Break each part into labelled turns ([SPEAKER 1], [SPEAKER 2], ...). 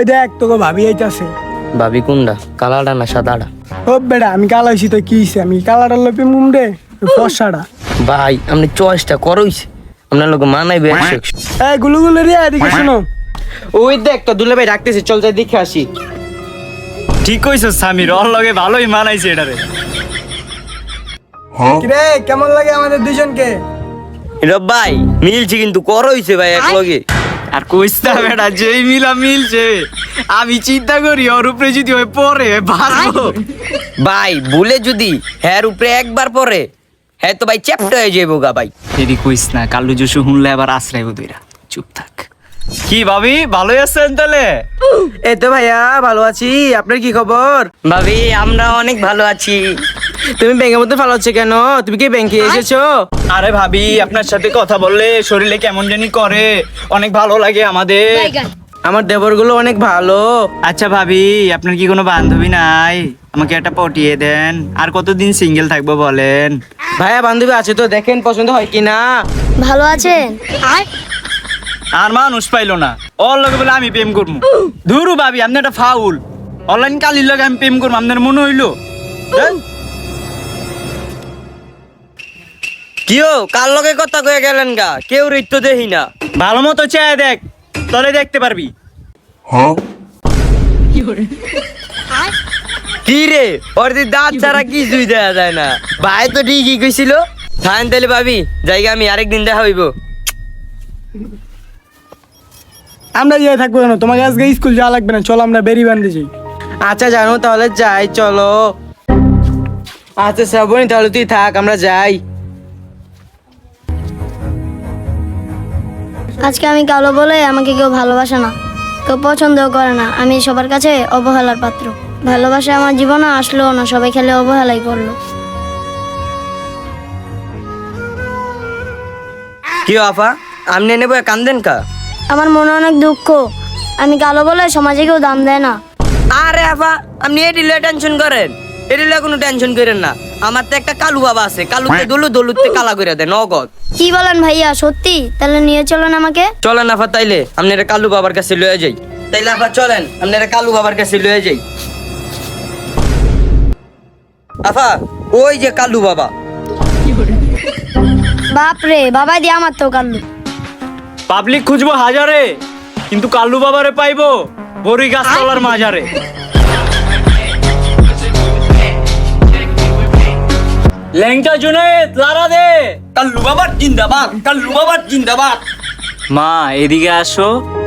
[SPEAKER 1] ওই দেখ তোকে ভাবি আইতাছে।
[SPEAKER 2] ভাবি কোনটা, কালাটা না সাদাটা?
[SPEAKER 1] ও বেটা আমি কালা হইছি তো কি হইছে, আমি কালাটার লোপে মুমডে ফসাটা।
[SPEAKER 2] ভাই আপনি চয়েসটা করইছে, আপনার লোক মানাইবে 100।
[SPEAKER 1] এই গুলুগুলো রে এদিকে শোনো।
[SPEAKER 3] ওই দেখ তো দুলা ভাই ডাকতেছে, চল যাই দেখে আসি।
[SPEAKER 4] ঠিক কইছ সামির, ওর লগে ভালোই মানাইছে এটারে।
[SPEAKER 1] কিরে কেমন লাগে আমাদের দুজনকে?
[SPEAKER 2] রব ভাই মিলছে কিন্তু করইছে ভাই এক লগে।
[SPEAKER 4] আর কইস না বেটা, যেই মিলা মিলছে আমি চিন্তা করি ওর উপরে যদি ওই পরে বাঁচবো।
[SPEAKER 2] ভাই ভুলে যদি হ্যার উপরে একবার পরে হ্যাঁ তো ভাই চ্যাপ্টা হয়ে যাবো গা ভাই।
[SPEAKER 4] এদি কইস না, কালু জসু শুনলে আবার আশ্রয় দইরা। চুপ থাক। কি ভাবি ভালোই আছেন তাহলে?
[SPEAKER 3] এই তো ভাইয়া ভালো আছি, আপনার কি খবর?
[SPEAKER 2] ভাবি আমরা অনেক ভালো আছি।
[SPEAKER 3] তুমি ব্যাংকের মধ্যে ভালো হচ্ছে কেন? তুমি কি ব্যাংকে এসেছো?
[SPEAKER 4] আরে ভাবি আপনার সাথে কথা বললে শরীরে কেমন জানি করে, অনেক ভালো লাগে আমাদের।
[SPEAKER 3] আমার দেবরগুলো অনেক ভালো।
[SPEAKER 4] আচ্ছা ভাবি আপনার কি কোনো বান্ধবী নাই? আমাকে একটা পটিয়ে দেন। আর কতদিন সিঙ্গেল থাকবো বলেন?
[SPEAKER 3] ভাইয়া বান্ধবী আছে তো, দেখেন পছন্দ হয় কিনা।
[SPEAKER 5] ভালো আছেন?
[SPEAKER 4] আর মানুষ পাইলো না, ওর লগে বলে আমি প্রেম করবো। ধুরু ভাবি আপনি একটা ফাউল। অনলাইন কালির লগে আমি প্রেম করবো, আপনার মনে হইলো? হ্যাঁ?
[SPEAKER 2] কিও কার লগে কথা কয়ে গেলেন গা, কেউ রিত্তো দেখি না।
[SPEAKER 4] ভালো মতো চেয়ে দেখ, তলে দেখতে পারবি।
[SPEAKER 2] কি রে ওর দি দাঁত ছাড়া কিছুই দেখা যায় না। ভাই তো ঠিকই কইছিল। থাকেন তাহলে ভাবি, জায়গা আমি আরেকদিন দেখা হইব।
[SPEAKER 1] আমরা যাই থাকবো কেন, তোমাকে আজকে স্কুল যাওয়া লাগবে না, চলো আমরা বেরি বান্ধে যাই।
[SPEAKER 3] আচ্ছা জানো তাহলে যাই, চলো। আচ্ছা শ্রাবণী তাহলে তুই থাক, আমরা যাই।
[SPEAKER 5] আজকে আমি কালো বলে আমাকে কেউ ভালোবাসে না, কেউ পছন্দও করে না। আমি সবার কাছে অবহেলার পাত্র। ভালোবাসা আমার জীবনে আসলো না, সবাই খেলে অবহেলাই করলো।
[SPEAKER 2] কি আফা আপনি নেবো কান্দেন কা?
[SPEAKER 5] আমার মনে অনেক দুঃখ, আমি কালো বলে সমাজে কেউ দাম দেয় না।
[SPEAKER 2] আরে আফা আপনি এডিলে টেনশন করেন, এডিলে কোনো টেনশন করেন না। আমার তো একটা কালু বাবা আছে, কালুতে দলুতে কালা করে দেয় নগদ।
[SPEAKER 5] কি বলেন ভাইয়া, সত্যি? তাহলে নিয়ে চলেন আমাকে।
[SPEAKER 2] চলেন আফা তাইলে আপনারা কালু বাবার কাছে লয়ে যাই। তাইলে আফা চলেন আপনারা কালু বাবার কাছে লয়ে যাই। আফা ওই যে কালু বাবা।
[SPEAKER 5] বাপরে, বাবা দিয়ে আমার তো কাল্লু।
[SPEAKER 4] পাবলিক খুঁজবো হাজারে, কিন্তু কাল্লু বাবারে পাইবো বড়ি গাছতলার মাজারে। ল্যাংটা জুনেদ লারা দে, কাল্লু বাবার জিন্দাবাদ, কাল্লু বাবার জিন্দাবাদ। মা এদিকে আসো।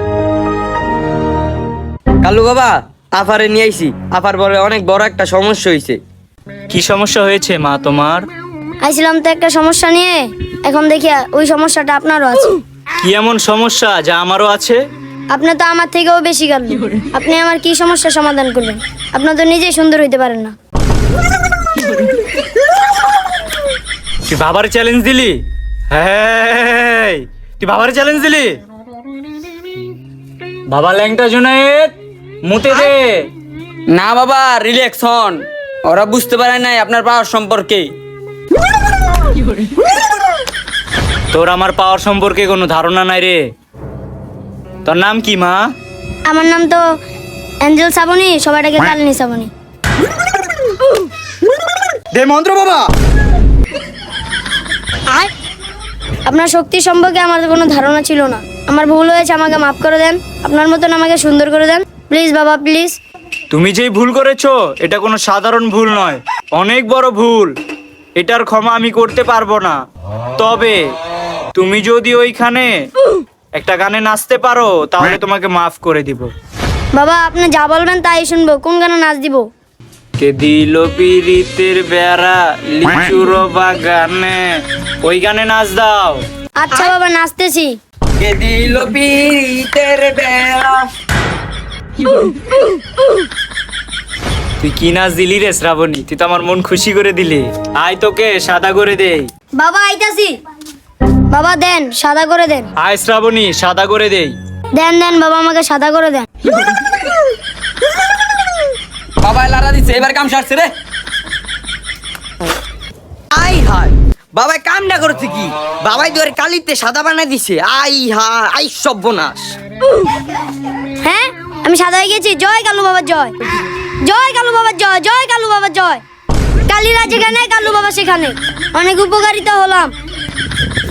[SPEAKER 2] কালু বাবা আফারে নিয়ে আইছি, আফার পরে অনেক বড় একটা সমস্যা হয়েছে।
[SPEAKER 4] কি সমস্যা হয়েছে মা তোমার?
[SPEAKER 5] আইছিলাম তো একটা সমস্যা নিয়ে, এখন দেখি ওই সমস্যাটা আপনারও আছে।
[SPEAKER 4] কি এমন সমস্যা যা আমারও আছে?
[SPEAKER 5] আপনি তো আমার থেকেও বেশি কাল্লু। আপনি আমার কি সমস্যা সমাধান করবেন? আপনি তো নিজেই সুন্দর হইতে পারেন না।
[SPEAKER 4] তুই বাবার চ্যালেঞ্জ দিলি? হ্যাঁ তুই বাবার চ্যালেঞ্জ দিলি? বাবা ল্যাংটা জুনায়েদ মুতে দে।
[SPEAKER 6] না বাবা রিল্যাক্স হন, ওরা বুঝতে পারে নাই আপনার পাওয়ার সম্পর্কে।
[SPEAKER 4] তোর আমার পাওয়ার সম্পর্কে কোনো ধারণা নাই রে। তোর নাম কি মা?
[SPEAKER 5] আমার নাম তো অ্যাঞ্জেল শ্রাবণী, সবাই ডাকে কালিনী শ্রাবণী।
[SPEAKER 4] দে মন্ত্র বাবা।
[SPEAKER 5] আপনার শক্তি সম্পর্কে আমার কোনো ধারণা ছিল না। আমার ভুল হয়েছে, আমাকে মাফ করে দেন। আপনার মতন আমাকে সুন্দর করে দেন প্লিজ বাবা, প্লিজ।
[SPEAKER 4] তুমি যেই ভুল করেছো এটা কোনো সাধারণ ভুল নয়, অনেক বড় ভুল। এটার ক্ষমা আমি করতে পারবো না। তবে তুমি যদি ওইখানে একটা গানে নাচতে পারো তাহলে তোমাকে মাফ করে দিব।
[SPEAKER 5] বাবা আপনি যা বলবেন তাই শুনবো। কোন গানে নাচ দিব?
[SPEAKER 4] কে দিল পিরিতের বেড়া লিচুর বাগানে, ওই গানে নাচ দাও।
[SPEAKER 5] আচ্ছা বাবা, নাচতেছি।
[SPEAKER 2] কে দিল পিরিতের বেড়া।
[SPEAKER 4] তুই কি নাচ দিলি রে শ্রাবণী, তুই তো আমার মন খুশি করে দিলি। আয় তোকে সাদা করে দেই।
[SPEAKER 5] বাবা আইতাছি। বাবা দেন, সাদা করে দেন।
[SPEAKER 4] আয় শ্রাবণী সাদা করে দেই।
[SPEAKER 5] দেন দেন বাবা, আমাকে সাদা করে দেন।
[SPEAKER 6] বাবা লারা দিচ্ছে, এবার কাম সারছে রে।
[SPEAKER 2] আই হায় বাবাই কামটা করছে কি? বাবাই তো কালিতে সাদা বানাই দিছে। আই হা আই সর্বনাশ।
[SPEAKER 5] হ্যাঁ আমি সাদা হয়ে গেছি। জয় কালু বাবার জয়, জয় কালু বাবার জয়, জয় কালু বাবার জয়। কালীরা যেখানে কালু বাবা সেখানে। অনেক উপকারিতা হলাম।